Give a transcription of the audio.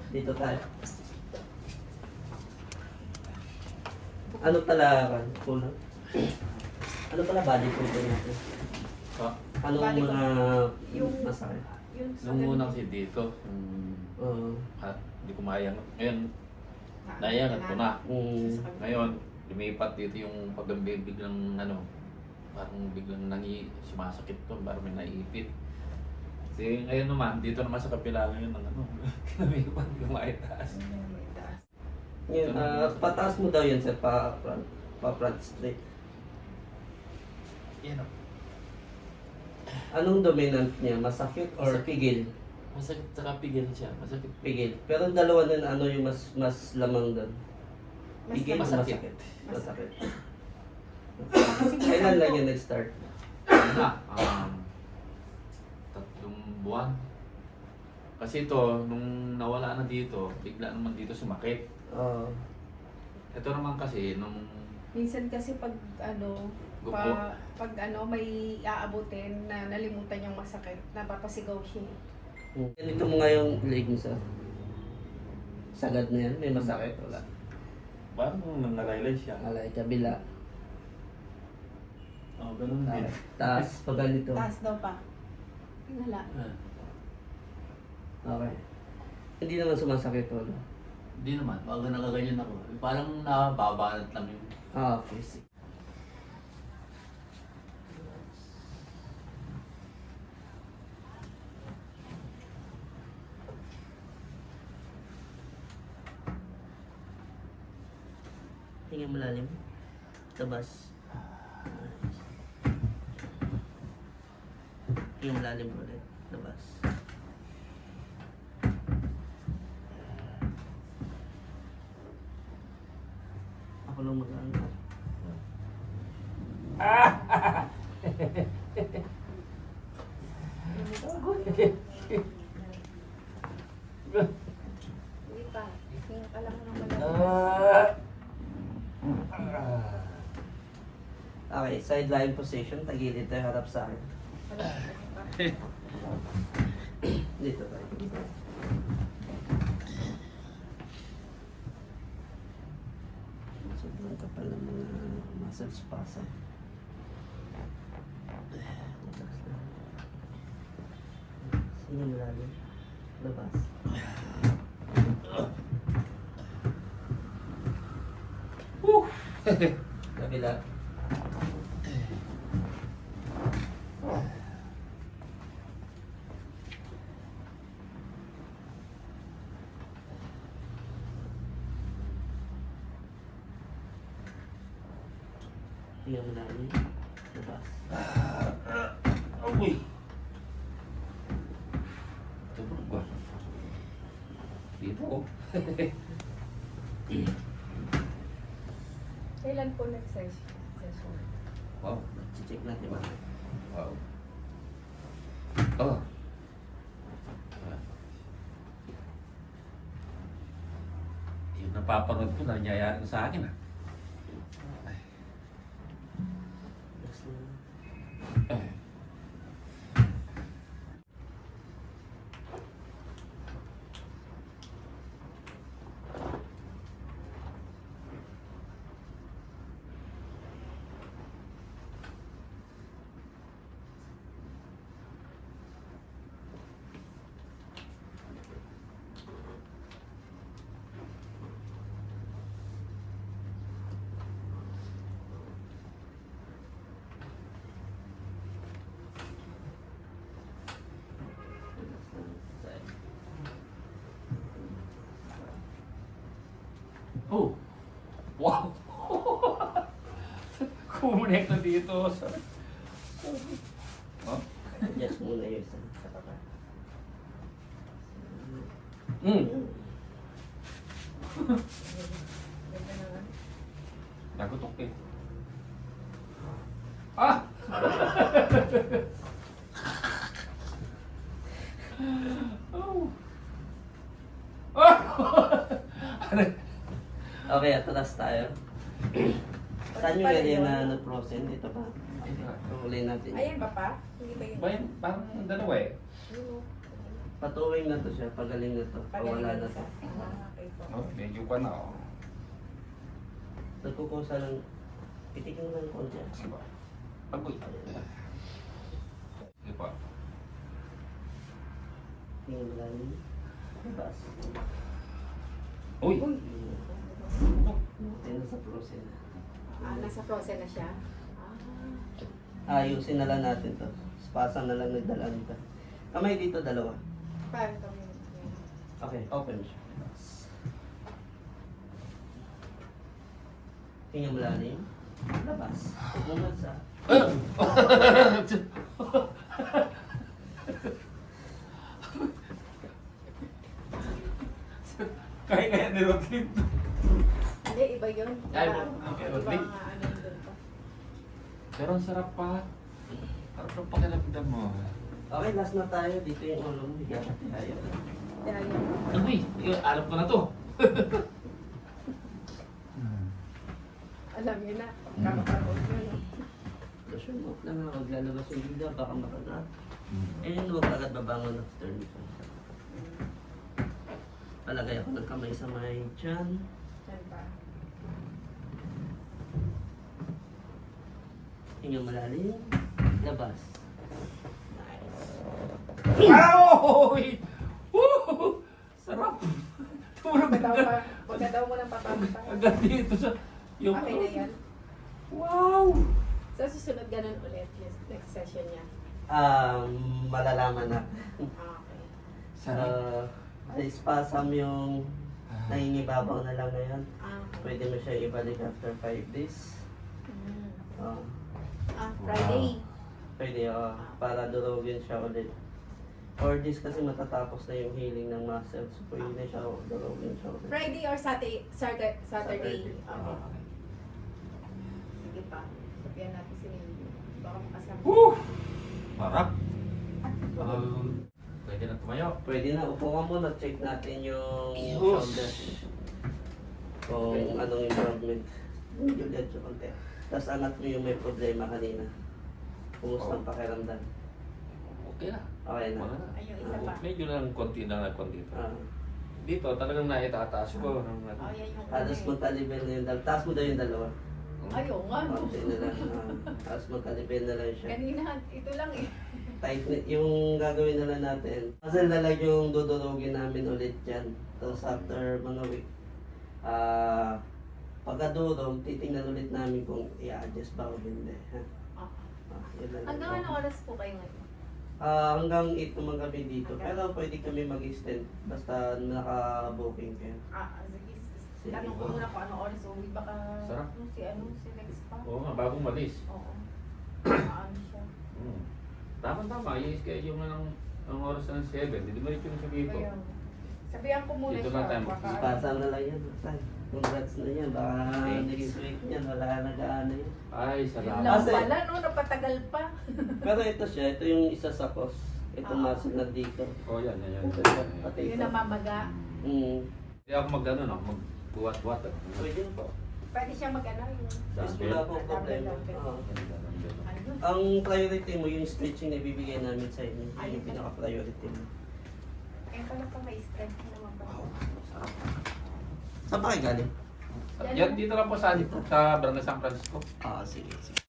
Dito tayo. Ano pala, kulang? Ano pala body control natin? Ah, Anong Body mga yung masakit? Yung sa nung ganun. unang si dito, Oo. hindi ko mayangat. Ngayon, nayangat ko na. Mm. Ngayon, lumipat dito yung pag biglang parang biglang sumasakit to, parang may naipit. Kasi ngayon naman, dito naman sa kapila ngayon ng lumipat, lumaitaas. Yun, pataas mo daw yun sir, pa-front straight. Yan o. Anong dominant niya? Masakit or Masakit. pigil? Masakit sa kapigil siya, masakit. Pigil. Pero ang dalawa nun, ano yung mas lamang doon? Mas Pigil o masakit. masakit? Masakit. Kasi Kailan lang po, yan nag-start? Na, 3 buwan. Kasi ito, nung nawala na dito, bigla naman dito sumakit. Oo. Ito naman kasi, nung minsan kasi pag Gupo. pag may aabutin na nalimutan yung masakit, napapasigaw siya. Ganito mo nga yung leg mo sa sagad na yan, may masakit, wala. parang nangalaylay siya. Alay, kabila. Oo, ganun din. Taas, pag ganito. Taas daw pa. Wala. Okay. Hindi naman sumasakit, wala. Hindi naman, pag nakaganyan ako, parang nababanat lang yung... Okay, sige. Hinga malalim. Tabas. Hinga malalim ulit. Tabas. Ako lang mag-ano. Hindi pa. Hinga ka lang ng malalim. Okay, sideline position. Tagilid tayo, harap sa akin. Dito tayo. Sobrang kapal ng mga muscle spasm. Relax lang. Sige malalim. Labas. Kabila. Tingnan mo namin. Labas. Uy! Tubog ba? Dito oh. Kailan po nag-session? Wow. Check natin ba? Wow. Oh. Yung napapanood ko, nangyayari sa akin ah. Relax lang. Oh! Wow! Kumunik na dito. Oh? Adjust muna yung isa sa kaka. Nagutok eh. Ah! Oh! Ah! Okay, atras tayo. Saan yung area na na-frozen? Dito pa. Huli natin. Ayan ba pa? Hindi ba yun? Ba yun? Parang dalawa eh. Yun, oh. Patuwing na to siya, pagaling na to. Pawala na to. Okay po. Oh, medyo pa na. Oh. Nagkukusa lang. Pitikin mo lang ng konti. Sige ba? Agoy. Sige pa. Tingnan mo lang. Labas. Uy! Tingnan sa frozen. Nasa frozen na siya. Ayusin na lang natin to. Spasa na lang nagdala nito. Kamay dito, dalawa. Paano ito? Okay, open siya. Tingnan mo lang yun. Labas. Bumad sa... Kaya ni Rodlin. Hindi, iba yun. Ay, Iba okay. nga ano yun doon pa. Pero ang sarap pa. Sarap ng pakiramdam mo. Okay, last na tayo. Dito yung ulo mo. Higa ka tayo. Kaya yun. Agoy! Alam ko na to. Alam niyo na. Kakaroon yun. no? Pressure mo lang nga. Huwag lalabas yung bigla. Baka makagat. Eh, huwag agad babangon after nito. Palagay ako ng kamay sa may tiyan. Yan pa. Tingnan malalim. Labas. Wow! Woo! Sarap! Tulog Huwag daw agad. pa. Huwag daw mo nang papamita. Agad dito sa... Yung... Okay na yan. Wow! So, susunod ganun ulit yung next session niya. Malalaman na. Okay. Sarap. Spasm yung nangingibabaw na lang ngayon. Ah, Pwede mo siya ibalik after 5 days. mm. Ah, Friday. pwede, para durugin siya ulit. 4 days kasi matatapos na yung healing ng muscles. So, pwede na siya durugin siya ulit. Friday or Saturday? Saturday. Ah. Okay. Sige pa. Sabihan natin si Mindy. Baka makasama. Woo! Sarap. Pwede na tumayo. Pwede na, upo ka muna, check natin yung Yes. shoulder. Kung anong improvement. Medyo medyo konti. Tapos angat mo yung may problema kanina. Kumusta ang pakiramdam? Okay na. Okay na. Wala na. Ay, yung isa pa. Medyo lang konti na konti. Ah, Dito talagang naitataas ko. Ng, ano. Oh, yan yung Halos magkalibel na yung dalawa. Taas mo daw yung dalawa. Ayaw nga. no. Konti na lang. Tapos magkalibel na lang siya. Kanina, ito lang eh. Tight yung gagawin na lang natin. Kasi lalag yung dudurugin namin ulit dyan. Tapos after mga week, pagkadurog, titingnan ulit namin kung i-adjust ba o hindi. Ha? Yun lang. Hanggang anong oras po kayo ngayon? Hanggang 8 naman kami dito. Pero pwede kami mag-extend basta naka-booking kayo. Sige. Tanong ko muna kung anong oras uwi. Baka Sarap. si Rex pa. Oo nga, bagong malis. Oo. Ano siya. Tama-tama, i-schedule mo ng oras ng 7. Hindi mo rin yung sabihin ko. Kaya, sabihan ko muna Dito siya. na tayo. Baka, Ipasa na lang yan. Tay. Congrats na yan. Baka next week yan. Wala na gaano yan. Ay, yun salamat. lang Kasi- pala, no? Napatagal pa. Pero ito siya. Ito yung isa sa cos. Itong muscle na dito. Oh, yan. Pati Yun ito. ang mamaga. Hindi ako mag-ano, no? Magbuwat-buwat. Pwede na po. Pwede siya mag-ano yun. Yes, wala pong problema. Oo. Ano yun? Ang priority mo, yung stretching na ibibigay namin sa inyo. Yun yung pinaka-priority mo. Kaya pala pa may strength naman ba? Saan ba kayo galing? Yan, dito lang po sa Barangay San Francisco. Sige.